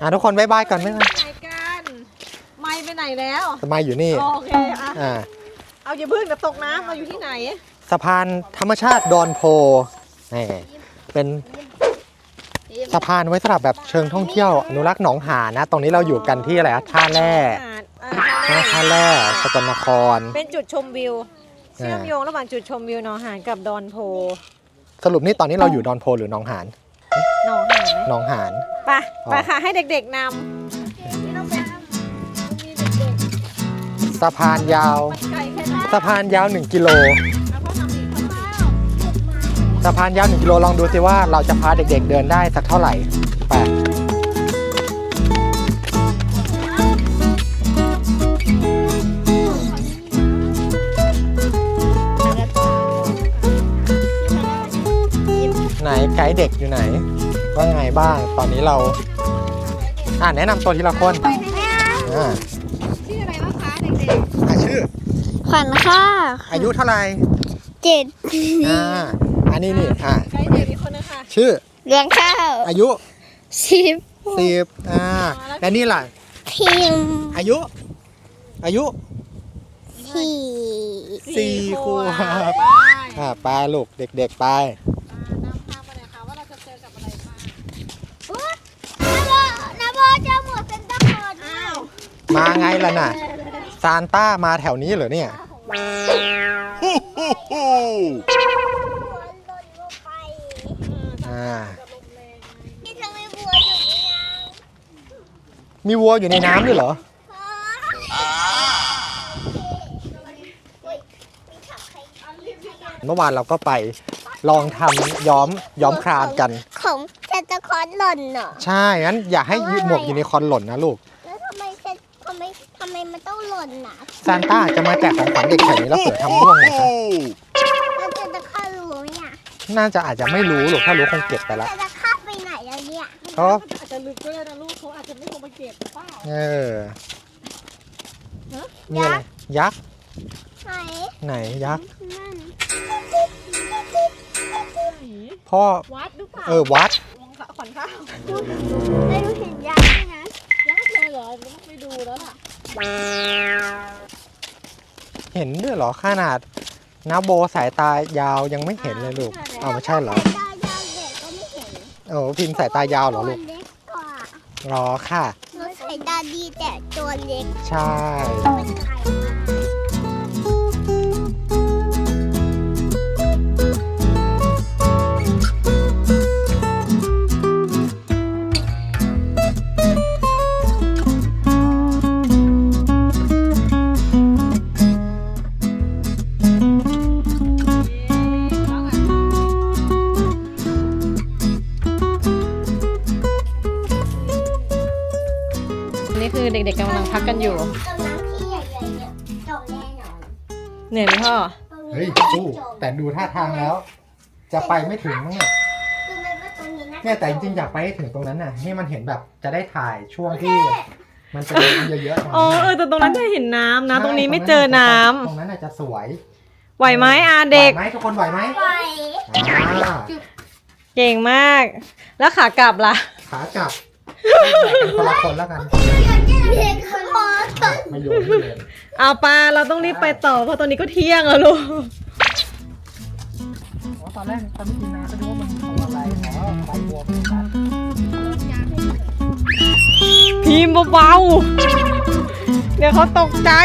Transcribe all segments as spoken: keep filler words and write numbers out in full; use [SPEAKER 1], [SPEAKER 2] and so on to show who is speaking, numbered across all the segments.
[SPEAKER 1] อ่ะทุกคนบ๊ายบายก่อนบ๊ายบาย
[SPEAKER 2] ไหนกันไม่ไปไหนแล้ว
[SPEAKER 1] สมัยอยู่นี่
[SPEAKER 2] โอเคอ่ะ
[SPEAKER 1] อ่า
[SPEAKER 2] เอาอย่าพึ่งจะตกน้ำเราอยู่ที่ไหน
[SPEAKER 1] สะพานธรรมชาติดอนโพนี่เป็นสะพานไว้สำหรับแบบเชิงท่องเที่ยวอนุรักษ์หนองหานนะ ตรงนี้เราอยู่กันที่อะไรท่าแร่ท่าแร่สกลนคร
[SPEAKER 2] เป็นจุดชมวิวเชื่อมโยงระหว่างจุดชมวิวหนองหานกับดอนโพ
[SPEAKER 1] สรุปนี่ตอนนี้เราอยู่ดอนโพหรือหนองหาน
[SPEAKER 2] หนองหานไหม
[SPEAKER 1] หนองหาน
[SPEAKER 2] ไปไปค่ะให้เด็กๆน
[SPEAKER 1] สะพานยาว
[SPEAKER 2] ำไก่แค่นั้น
[SPEAKER 1] สะพานยาวหนึ่งกิโล
[SPEAKER 2] แล้วก็ทำอีกข้าว
[SPEAKER 1] สะพานยาวหนึ่งกิโลลองดูสิว่าเราจะพาเด็กๆเดินได้สักเท่าไหร่ไปไหนไกด์เด็กอยู่ไหน ว่าไงบ้างตอนนี้เราอ่าแนะนำตัวทีละคนอ่า
[SPEAKER 2] ชื่ออะไรบ้างคะเด็ก
[SPEAKER 1] อ่ะชื่อ
[SPEAKER 3] ขวัญค่ะ
[SPEAKER 1] อายุเท่าไหร่
[SPEAKER 3] เจ็ด
[SPEAKER 1] อ่าอันนี้นี่อ่า
[SPEAKER 2] ๆไก่เด็กอีกคนนึงค่ะ
[SPEAKER 1] ชื่อ
[SPEAKER 3] เลี้ยงข้าว
[SPEAKER 1] อายุ
[SPEAKER 3] สิบ
[SPEAKER 1] สิบอ่าและนี่ล่ะ
[SPEAKER 3] พิมพ์
[SPEAKER 1] อายุ อายุ
[SPEAKER 3] สี่
[SPEAKER 1] สี่ขวบ
[SPEAKER 2] ไป
[SPEAKER 1] อ่าไปลูกเด็กๆไป
[SPEAKER 2] นำทางไปเลยค่ะว่าเราจะเจอกับอะไรบ้าง
[SPEAKER 3] นาโบจะหมดเป็นตะกอน
[SPEAKER 2] อ้าว
[SPEAKER 1] มาไงล่ะน่ะ ซานต้ามาแถวนี้เหรอเนี่ย อ่า
[SPEAKER 3] นี่ทำไมบัวอยู่นี่นะ
[SPEAKER 1] มีวัวอยู่ในน้ำด้วยเหรอ เมื่อวานเราก็ไปลองทำย้อมย้อมครามกัน
[SPEAKER 3] ของเซนตาคลอสหล่นเหรอ
[SPEAKER 1] ใช่ งั้นอย่าให้หมวกยูนิคอร์นหล่นนะลูก
[SPEAKER 3] แล้วทำไมเซนทำไมทำไมมันต้องหล่นน่ะ
[SPEAKER 1] ซานต้าจะมาแจกของขวัญเด็กแถวนี้แล้วเผื่อทำร่วงนะคะ
[SPEAKER 3] แล้วเซนตาคลอสรู้ไหมเนี่ย
[SPEAKER 1] น่าจะอาจจะไม่รู้หรอกถ้ารู้คงเก็บไปแล้ว
[SPEAKER 3] เซนตาคลอสไปไหนแล้วเนี่ย
[SPEAKER 1] เขา
[SPEAKER 2] อาจจะลึกก็ได้นะลูกเขาอาจจะไม่ลงมาเก็บเปล่า
[SPEAKER 1] เออนี่อะไร ยักษ์
[SPEAKER 3] ไหน
[SPEAKER 1] ไหนยักษ์
[SPEAKER 3] นั่น
[SPEAKER 1] พ่อ
[SPEAKER 2] วัดหรือเปล่า
[SPEAKER 1] เออ วัด
[SPEAKER 2] วงขวัญข้าว
[SPEAKER 3] ไม่รู้เห็นยักษ์ด้วยนะ
[SPEAKER 2] ยักษ์เลยเหรอต้องไปดูแล้วล่ะ
[SPEAKER 1] เห็นด้วยเหรอขนาดนาโบสายตายาวยังไม่เห็นเลยลูกเอาไม่ใช่เหรอ
[SPEAKER 3] สายตายาวเด็กก็ไม่เห็น
[SPEAKER 1] โอ้พิมพ์สายตายาวเหรอลูก
[SPEAKER 3] ตัวเล็กกว่า
[SPEAKER 1] รอค่ะ
[SPEAKER 3] หนูสายตาดีแต่ตัวเล็ก
[SPEAKER 1] ใช่
[SPEAKER 3] เป็นไข่มา
[SPEAKER 2] นี่คือเด็กๆกำลังพักกันอยู่
[SPEAKER 3] กำลังที่ใหญ่ๆเนี่ยจบแน่นอน
[SPEAKER 2] เหนื่อยไหมพ่อ
[SPEAKER 1] เฮ้ยสู้แต่ดูท่าทางแล้ว จะไปไม่ถึงมั้งเนี่ย
[SPEAKER 3] คือไม่ว่าตรงนี้นะ
[SPEAKER 1] เนี่ยแต่จริงๆอยากไปให้ถึงตรงนั้นน่ะให้มันเห็นแบบจะได้ถ่ายช่วงที่ มันจะมีน้ำเยอะๆ
[SPEAKER 2] อ๋อเออแต่ตรงนั้นจะเห็นน้ำนะ ตรงนี้ไม่เจอน้ำ
[SPEAKER 1] ตรงนั้นน่ะจะสวย
[SPEAKER 2] ไหวไหมอาเด็ก
[SPEAKER 1] ไหวไหมทุกคนไหวไหม
[SPEAKER 3] ไป
[SPEAKER 1] อ่า
[SPEAKER 2] เก่งมาก แล้วขากลับล่ะ
[SPEAKER 1] ขากลับเป็นคนละคนแล้วกัน
[SPEAKER 3] เด็กขโมย
[SPEAKER 1] ไม่โยนไม่เลย
[SPEAKER 2] เอาปลาเราต้องรีบไปต่อเพราะตอนนี้ก็เที่ยงแล้วลูก
[SPEAKER 1] ตอนแรกตอนไม่กินน้ำก็นึกว่ามันทำอะไรอ๋อใบบัวเป็นสัตว์
[SPEAKER 2] พิมพ์เบาๆ เดี๋ยวเขาตกใจ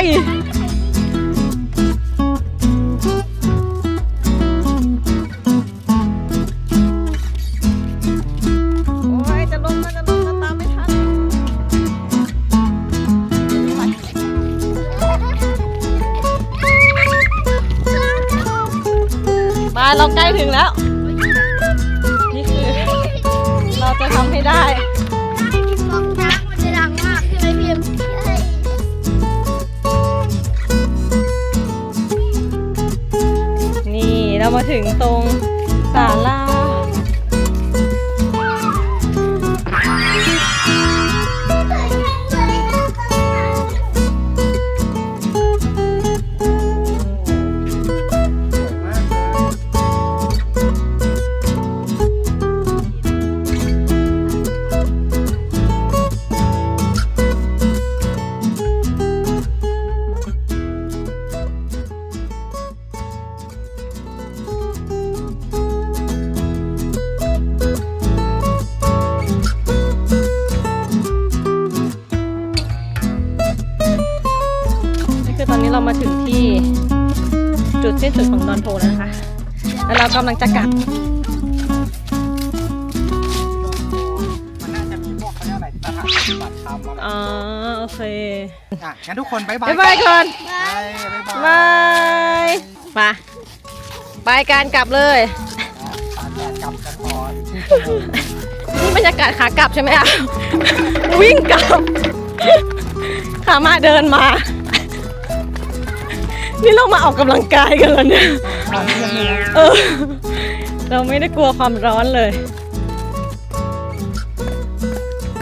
[SPEAKER 2] โอ้ยจะลงแล้วจะลงแล้วตามไม่ทันมาเราใกล้ถึงแล้ว นี่คือ เราจะทำให้ได้
[SPEAKER 3] ฟองน้ำมันจะดังมากใช่ไหมพิมพ์ใช่
[SPEAKER 2] นี่เรามาถึงตรงศาลาสิ้นสุดของดอนโพแล้วนะคะ แล้วเรากำลังจะกลับ
[SPEAKER 1] มันน่าจะมีพวกเขาเรียกอะไรสถานปฏิบัติธรรมอะไร
[SPEAKER 2] อ๋อโอเค
[SPEAKER 1] อ่ะงั้นทุกคนบ๊ายบาย
[SPEAKER 2] บ๊ายบายก่อน
[SPEAKER 1] บายบ๊ายบาย
[SPEAKER 2] บาย มา ไปการกลับเลย
[SPEAKER 1] ตากแดดกลับกันก่อน
[SPEAKER 2] นี่บรรยากาศขากลับใช่ไหมอะ วิ่งกลับ ขามาเดินมา นี่เรามาออกกำลังกายกันแล้วเนี่ย เออ เราไม่ได้กลัวความร้อนเลย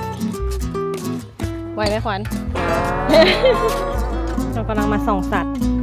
[SPEAKER 2] ไหวไหมขวัญ เรากำลังมาส่องสัตว์